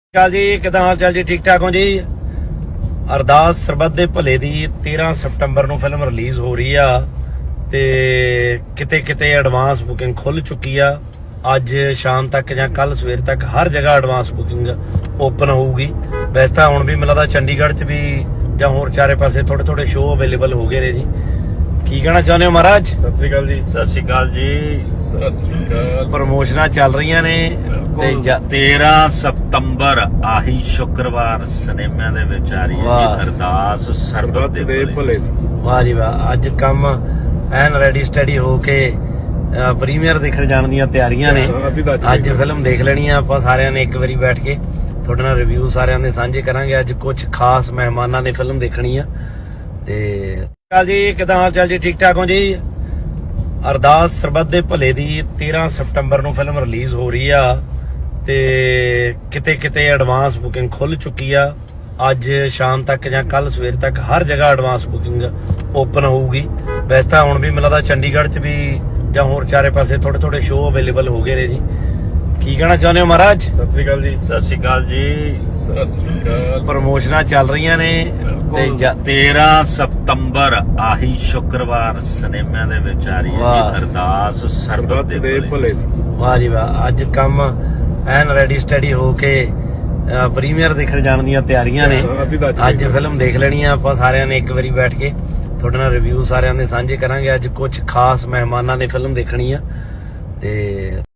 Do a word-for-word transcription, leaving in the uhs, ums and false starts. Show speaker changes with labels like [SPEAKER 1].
[SPEAKER 1] ਕਾਲ ਜੀ, ਕਿਦਾਂ ਹਾਲ ਚਾਲ ਜੀ? ਠੀਕ ਠਾਕ ਹੋ ਜੀ? ਅਰਦਾਸ ਸਰਬੱਤ ਦੇ ਭਲੇ ਦੀ ਤੇਰਾਂ ਸਤੰਬਰ ਨੂੰ ਫਿਲਮ ਰਿਲੀਜ਼ ਹੋ ਰਹੀ ਆ ਤੇ ਕਿਤੇ ਕਿਤੇ ਐਡਵਾਂਸ ਬੁਕਿੰਗ ਖੁੱਲ ਚੁੱਕੀ ਆ। ਅੱਜ ਸ਼ਾਮ ਤੱਕ ਜਾਂ ਕੱਲ ਸਵੇਰ ਤੱਕ ਹਰ ਜਗ੍ਹਾ ਐਡਵਾਂਸ ਬੁਕਿੰਗ ਓਪਨ ਹੋਊਗੀ। ਵੈਸੇ ਤਾਂ ਹੁਣ ਵੀ ਮੈਨੂੰ ਲੱਗਦਾ ਚੰਡੀਗੜ੍ਹ 'ਚ ਵੀ ਜਾਂ ਹੋਰ ਚਾਰੇ ਪਾਸੇ ਥੋੜੇ ਥੋੜੇ ਸ਼ੋਅ ਅਵੇਲੇਬਲ ਹੋ ਗਏ ਨੇ ਜੀ। ਕੀ ਕਹਿਣਾ ਚਾਹੁੰਦੇ ਹੋ ਮਹਾਰਾਜ?
[SPEAKER 2] ਸਤਿ ਸ੍ਰੀ ਅਕਾਲ ਜੀ।
[SPEAKER 3] ਸਤਿ ਸ਼੍ਰੀ ਅਕਾਲ ਜੀ।
[SPEAKER 2] ਸਤਿ ਸ੍ਰੀ ਅਕਾਲ।
[SPEAKER 1] ਪ੍ਰਮੋਸ਼ਨਾਂ ਚੱਲ ਰਹੀਆਂ ਨੇ ਤੇ ਜਾ-
[SPEAKER 3] ਤੇਰਾਂ ਸਤੰਬਰ ਆਹੀ ਸ਼ੁੱਕਰਵਾਰ ਸਿਨੇਮਾ ਦੇ ਵਿੱਚ ਆ ਰਹੀ ਹੈ
[SPEAKER 1] ਵਾਹ।
[SPEAKER 3] ਜੀ ਅਰਦਾਸ ਸਰਬੱਤ ਦੇ ਭਲੇ
[SPEAKER 2] ਭਲੇ ਦੀ।
[SPEAKER 1] ਵਾਹ ਜੀ ਵਾਹ। ਅੱਜ ਕੰਮ ਐਨ ਰੈਡੀ ਸਟੱਡੀ ਹੋ ਕੇ ਪ੍ਰੀਮੀਅਰ ਦੇਖਣ ਜਾਣ ਦੀਆਂ ਤਿਆਰੀਆਂ ਨੇ।
[SPEAKER 2] ਅਸੀਂ ਤਾਂ
[SPEAKER 1] ਅੱਜ
[SPEAKER 2] ਦੇਖ
[SPEAKER 1] ਫਿਲਮ ਦੇਖ ਲੈਣੀ ਆ ਆਪਾਂ ਸਾਰਿਆਂ ਨੇ ਇੱਕ ਵਾਰੀ ਬੈਠ ਕੇ। ਤੁਹਾਡੇ ਨਾਲ ਰਿਵਿਊ ਸਾਰਿਆਂ ਦੇ ਸਾਂਝੇ ਕਰਾਂਗੇ। ਅੱਜ ਕੁਝ ਖਾਸ ਮਹਿਮਾਨਾਂ ਨੇ ਫਿਲਮ ਦੇਖਣੀ ਆ ਤੇ ਕਾਲ ਜੀ, ਕਿਦਾਂ ਹਾਲ ਚਾਲ ਜੀ? ਠੀਕ ਠਾਕ ਹੋ ਜੀ? ਅਰਦਾਸ ਸਰਬੱਤ ਦੇ ਭਲੇ ਦੀ ਤੇਰਾਂ ਸਤੰਬਰ ਨੂੰ ਫਿਲਮ ਰਿਲੀਜ਼ ਹੋ ਰਹੀ ਆ ਤੇ ਕਿਤੇ ਕਿਤੇ ਐਡਵਾਂਸ ਬੁਕਿੰਗ ਖੁੱਲ ਚੁੱਕੀ ਆ। ਅੱਜ ਸ਼ਾਮ ਤੱਕ ਜਾਂ ਕੱਲ ਸਵੇਰ ਤੱਕ ਹਰ ਜਗ੍ਹਾ ਐਡਵਾਂਸ ਬੁਕਿੰਗ ਓਪਨ ਹੋਊਗੀ। ਵੈਸੇ ਤਾਂ ਹੁਣ ਵੀ ਮੈਨੂੰ ਲੱਗਦਾ ਚੰਡੀਗੜ੍ਹ 'ਚ ਵੀ ਜਾਂ ਹੋਰ ਚਾਰੇ ਪਾਸੇ ਥੋੜੇ ਥੋੜੇ ਸ਼ੋਅ ਅਵੇਲੇਬਲ ਹੋ ਗਏ ਨੇ ਜੀ। ਕੀ ਕਹਿਣਾ ਚਾਹੁੰਦੇ ਹੋ ਮਹਾਰਾਜ?
[SPEAKER 2] ਸਤਿ ਸ੍ਰੀ ਅਕਾਲ ਜੀ।
[SPEAKER 3] ਸਤਿ ਸ਼੍ਰੀ ਅਕਾਲ ਜੀ।
[SPEAKER 2] ਸਤਿ ਸ੍ਰੀ ਅਕਾਲ।
[SPEAKER 1] ਪ੍ਰਮੋਸ਼ਨਾਂ ਚੱਲ ਰਹੀਆਂ ਨੇ ਤੇ ਜਾ-
[SPEAKER 3] ਤੇਰਾਂ ਸਤੰਬਰ ਆਹੀ ਸ਼ੁੱਕਰਵਾਰ ਸਿਨੇਮਾ ਦੇ ਵਿੱਚ ਆ ਰਹੀ ਹੈ
[SPEAKER 1] ਵਾਹ।
[SPEAKER 3] ਜੀ ਅਰਦਾਸ ਸਰਬੱਤ
[SPEAKER 2] ਸਰਬੱਤ
[SPEAKER 3] ਦੇ
[SPEAKER 2] ਦੇ
[SPEAKER 3] ਭਲੇ
[SPEAKER 2] ਭਲੇ ਦੀ।
[SPEAKER 1] ਵਾਹ ਜੀ ਵਾਹ। ਅੱਜ ਕੰਮ ਐਨ ਰੈਡੀ ਸਟੱਡੀ ਹੋ ਕੇ ਪ੍ਰੀਮੀਅਰ ਦੇਖਣ ਜਾਣ ਦੀਆਂ ਤਿਆਰੀਆਂ ਨੇ।
[SPEAKER 2] ਅਸੀਂ ਤਾਂ
[SPEAKER 1] ਅੱਜ ਫਿਲਮ ਦੇਖ ਲੈਣੀ ਆ ਆਪਾਂ ਸਾਰਿਆਂ ਨੇ ਇੱਕ ਵਾਰੀ ਬੈਠ ਕੇ। ਤੁਹਾਡੇ ਨਾਲ ਰਿਵਿਊ ਸਾਰਿਆਂ ਦੇ ਸਾਂਝੇ ਕਰਾਂਗੇ। ਅੱਜ ਕੁਝ ਖਾਸ ਮਹਿਮਾਨਾਂ ਨੇ ਫਿਲਮ ਦੇਖਣੀ ਆ ਤੇ